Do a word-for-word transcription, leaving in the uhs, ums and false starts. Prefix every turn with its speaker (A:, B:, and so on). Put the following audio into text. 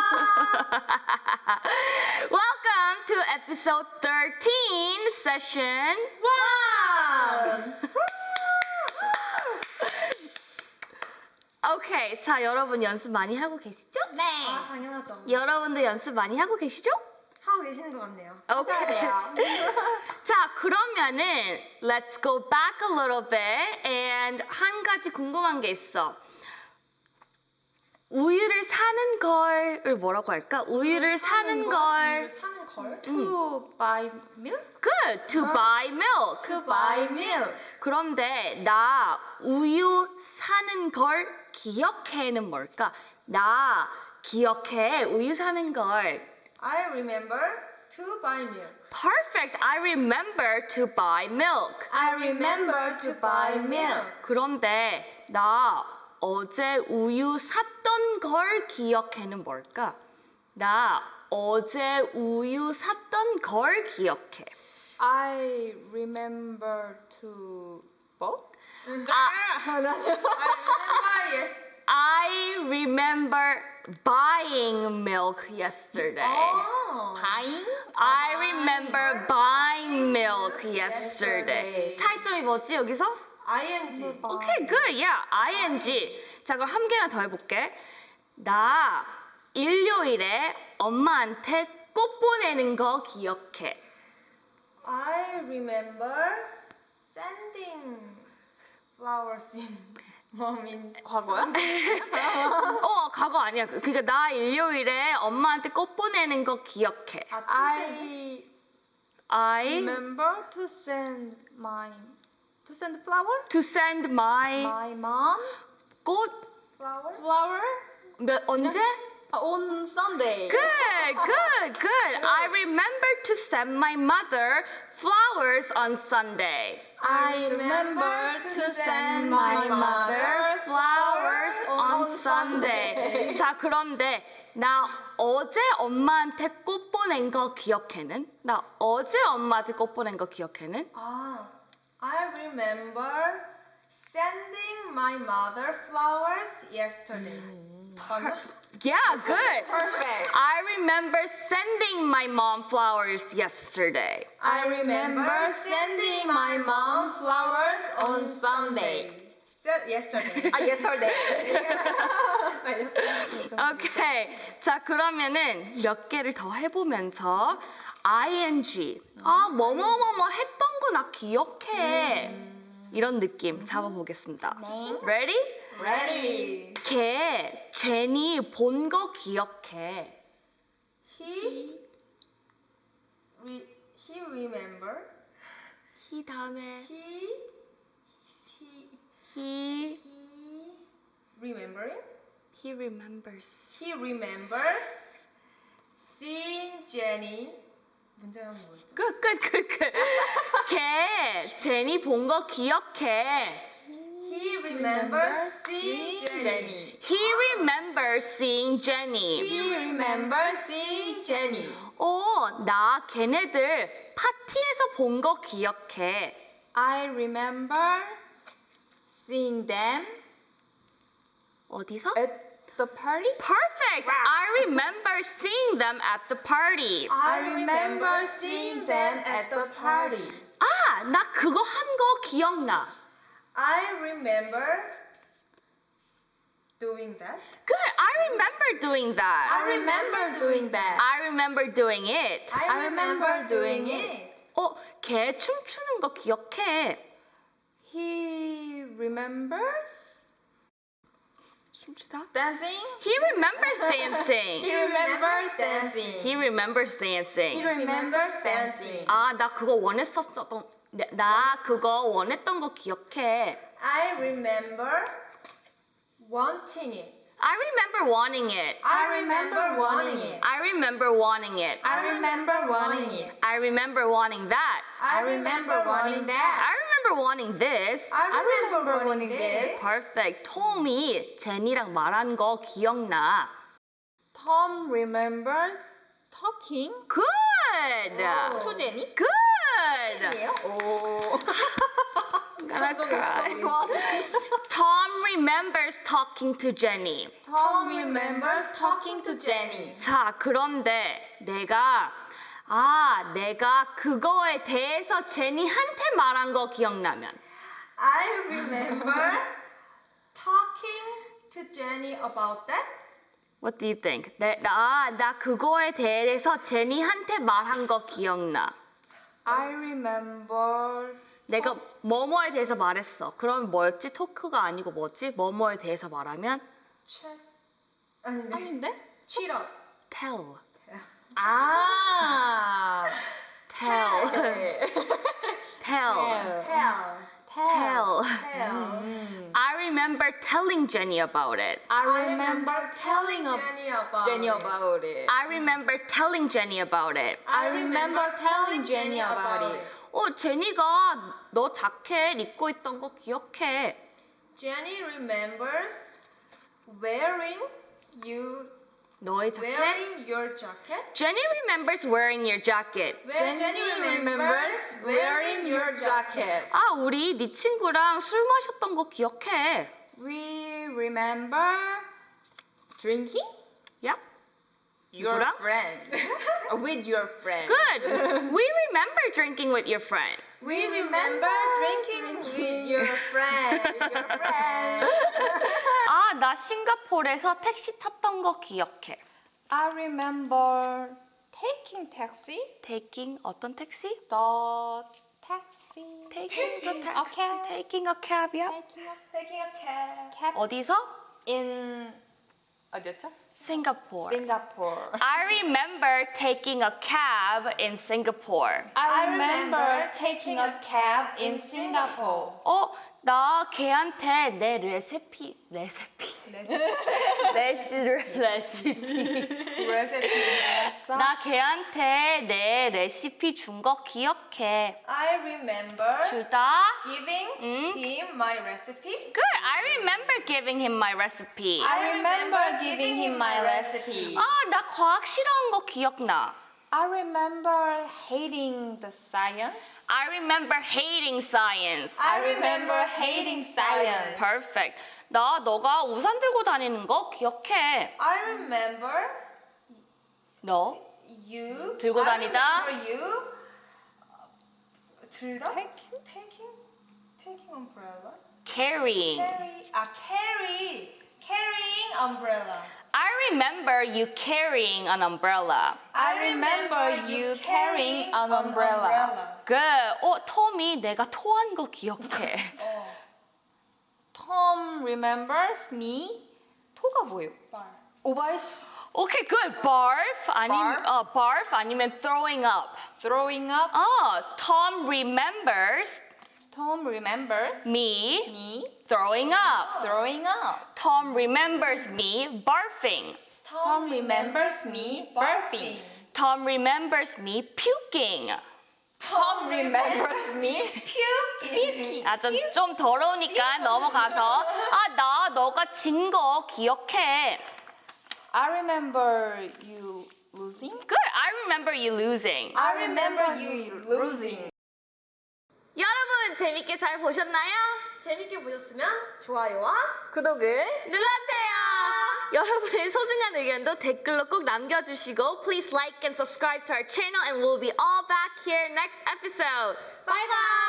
A: Welcome to episode thirteen session
B: one.
A: 오케이, 자 여러분 연습 많이 하고 계시죠?
B: 네. 아, 당연하죠.
A: 여러분들 연습 많이 하고 계시죠?
B: 하고 계시는 것 같네요.
A: 오케이.
B: 돼요.
A: 자 그러면은 let's go back a little bit and 한 가지 궁금한 게 있어. 우유를 사는 걸을 뭐라고 할까? 우유를 사는 걸.
B: 우유를 사는 걸?
C: To buy milk?
A: Good. To buy milk.
C: To buy milk.
A: 그런데 나 우유 사는 걸 기억해는 뭘까? 나 기억해 우유 사는 걸.
B: I remember to buy milk.
A: Perfect. I remember to buy milk.
C: I remember to buy milk.
A: 그런데 나 어제 우유 샀던 걸 기억해는 뭘까? 나 어제 우유 샀던 걸 기억해.
C: I remember to both?
A: 아,
B: I remember yes.
A: I remember buying milk yesterday.
B: 어.
C: Buying?
A: I remember buying milk yesterday. 차이점이 뭐지 여기서?
B: ing.
A: 오케이, good. Yeah, ing. 자, 그럼 한 개만 더 해볼게. 나 일요일에 엄마한테 꽃 보내는 거 기억해.
B: I remember sending flowers in mom's.
C: 과거야?
A: 어, 과거 아니야. 그러니까 나 일요일에 엄마한테 꽃 보내는 거 기억해.
B: 아,
C: I
A: I
C: remember to send my to send flower?
A: to send my
C: My mom
A: 꽃
B: flower.
C: flower
A: 몇, 언제?
C: on Sunday.
A: Good, good, good. I remember to send my mother flowers on Sunday.
C: I remember to send my mother
A: flowers on Sunday. 자, 그런데 나 어제 엄마한테 꽃 보낸 거 기억해는? 나 어제 엄마한테 꽃 보낸 거 기억해는?
B: 아, I remember sending my mother flowers yesterday. 맞나?
A: Yeah, good.
C: Perfect.
A: I remember sending my mom flowers yesterday.
B: I remember sending my mom flowers
C: on Sunday.
B: Se- yesterday.
C: 아, yesterday.
A: 오케이. 자, 그러면은 몇 개를 더 해보면서 ing. 아, 뭐뭐뭐뭐 했던 거 나 기억해. 이런 느낌 잡아보겠습니다.
C: 네.
A: Ready?
B: Ready.
A: 걔 제니 본 거 기억해.
B: He re, he remember
A: he 다음에
B: he he
A: he
B: he remembering
A: he remembers.
B: he remembers seeing Jenny. 문제는 뭐였죠?
A: 끝, 끝, 끝, 끝. 걔 제니 본 거 기억해.
B: He remembers seeing Jenny.
C: Jenny.
A: He remembers seeing Jenny.
C: He remembers seeing Jenny.
A: 오, 나 걔네들 파티에서 본 거 기억해.
C: I remember seeing them
A: 어디서?
C: at the party.
A: Perfect. I remember seeing them at the party.
C: I remember seeing them at the party.
A: 아, 나 그거 한 거 기억나.
B: I remember doing that.
A: Good. I remember doing that.
C: I remember doing that.
A: I remember doing it.
C: I remember doing it.
A: 어, 걔 춤추는 거 기억해.
C: He remembers
A: 춤추다?
C: dancing.
A: He remembers
C: He
A: dancing.
C: remembers dancing.
A: He remembers
C: He
A: dancing.
C: remembers dancing.
A: 아, 나 그거 원했었던, 나 그거 원했던 거 기억해.
B: I remember wanting it.
A: I remember wanting it.
C: I remember wanting it.
A: I remember wanting it.
C: I remember wanting it.
A: I remember wanting that.
C: I remember wanting that.
A: I remember wanting this.
C: I remember wanting this.
A: Perfect. 톰이 제니랑 말한 거 기억나.
C: Tom remembers talking
A: Good.
C: to Jenny.
A: Good.
C: 오.
A: gonna cry. Tom remembers talking to Jenny.
B: Tom remembers talking to Jenny.
A: 자, 그런데 내가 아, 내가 그거에 대해서 제니한테 말한 거 기억나면
B: I remember talking to Jenny about that.
A: What do you think? 내, 나, 나 그거에 대해서 제니한테 말한 거 기억나.
C: I remember
A: 내가 뭐뭐에 대해서 말했어. 그럼 뭐였지? 토크가 아니고 뭐지? 뭐뭐에 대해서 말하면
B: Check. 아니네.
C: 아닌데?
B: Cheetah.
A: tell.
C: 아
A: tell. tell.
B: Tell.
A: tell.
B: Tell.
A: I remember telling Jenny about it.
C: I
B: I
C: remember telling of
B: Jenny about
C: Jenny
B: it.
C: about it.
A: I remember telling Jenny about it.
C: I remember telling Jenny about it.
A: 어, 제니가 너 자켓 입고 있던 거 기억해.
B: Jenny remembers wearing you
A: 너의 자켓?
B: wearing your jacket.
A: Jenny remembers wearing your jacket.
B: Where Jenny remembers wearing your jacket.
A: 아, 우리 네 친구랑 술 마셨던 거 기억해.
C: We remember drinking
A: Yep.
C: your
A: 누구랑?
C: friend. Uh, with your friend.
A: Good. We remember drinking with your friend.
B: We remember drinking with your friend. With your friend.
A: 아, 나 싱가포르에서 택시 탔던 거 기억해.
C: I remember taking taxi.
A: Taking 어떤 택시?
C: The taxi.
A: Taking the
C: a
A: taxi.
C: cab.
A: Taking a cab이야?
C: Taking a
B: Taking a cab.
C: cab
A: 어디서?
C: in 어디였죠?
A: Singapore.
C: Singapore.
A: I remember taking a cab in Singapore.
C: I remember taking a cab in Singapore.
A: 어, 나 걔한테 내 레시피, 레시피, 레시, 레시피.
B: Recipe.
A: 나 걔한테 내 레시피 준 거 기억해.
B: I remember
A: 주다?
B: giving
A: 응?
B: him my recipe.
A: Good. I remember giving him my recipe.
C: I remember giving him my recipe.
A: 아, 나 과학 싫어한 거 기억나.
C: I remember hating the science.
A: I remember hating science.
C: I remember hating science.
A: Perfect. 나 너가 우산 들고 다니는 거 기억해.
B: I remember
A: 너?
B: you
A: 들고
B: I
A: 다니다?
B: remember you 들다?
C: Taking?
B: taking taking umbrella.
A: Carrying.
B: Carry 아 carry carrying umbrella.
A: I remember you carrying an umbrella.
C: I remember you carrying an umbrella.
A: Good. 어, 톰이 내가 토한 거 기억해.
B: 어.
C: Tom remembers me. 토가 뭐예요?
B: 말.
C: 오바이트.
A: 오케이, good. Barf 아니면
C: Barf?
A: 어, barf 아니면 throwing up.
C: Throwing up.
A: 어, Tom remembers
C: Tom remembers
A: me
C: me
A: throwing up.
C: throwing up.
A: Tom remembers me barfing.
C: Tom remembers me barfing.
A: Tom remembers me puking.
C: Tom remembers me puking.
A: 아, 좀, 좀 더러우니까 넘어가서 아, 나 너가 진 거 기억해.
C: I remember you losing.
A: Good. I remember you losing.
B: I remember you losing.
A: 여러분 재밌게 잘 보셨나요?
B: 재밌게 보셨으면 좋아요와
C: 구독을
A: 눌러주세요. 여러분의 소중한 의견도 댓글로 꼭 남겨주시고 Please like and subscribe to our channel and we'll be all back here next episode.
B: Bye bye.